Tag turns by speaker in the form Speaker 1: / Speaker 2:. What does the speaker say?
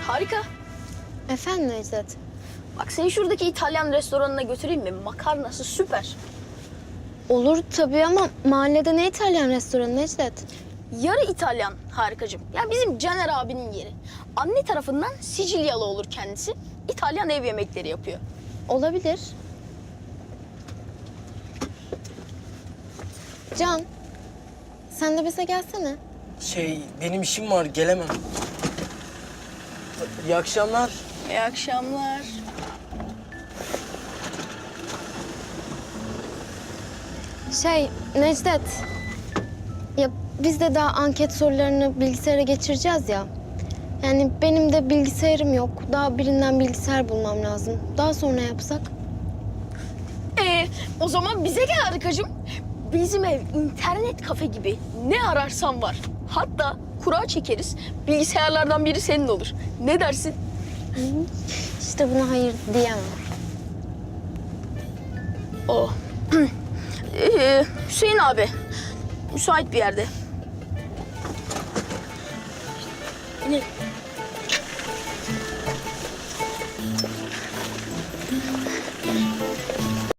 Speaker 1: Harika.
Speaker 2: Efendim Necdet?
Speaker 1: Bak seni şuradaki İtalyan restoranına götüreyim mi? Makarnası süper.
Speaker 2: Olur tabii ama mahallede ne İtalyan restoranı Necdet?
Speaker 1: Yarı İtalyan harikacığım. Ya bizim Caner abinin yeri. Anne tarafından Sicilyalı olur kendisi. İtalyan ev yemekleri yapıyor.
Speaker 2: Olabilir. Can, sen de bize gelsene.
Speaker 3: Benim işim var, gelemem. İyi akşamlar.
Speaker 1: İyi akşamlar.
Speaker 2: Necdet. Ya biz de daha anket sorularını bilgisayara geçireceğiz ya. Yani benim de bilgisayarım yok. Daha birinden bilgisayar bulmam lazım. Daha sonra yapsak.
Speaker 1: O zaman bize gel harikacığım. Bizim ev internet kafe gibi. Ne ararsan var. Hatta kura çekeriz. Bilgisayarlardan biri senin olur. Ne dersin?
Speaker 2: İşte buna hayır diyemem.
Speaker 1: O. Hüseyin abi. Müsait bir yerde. Ne?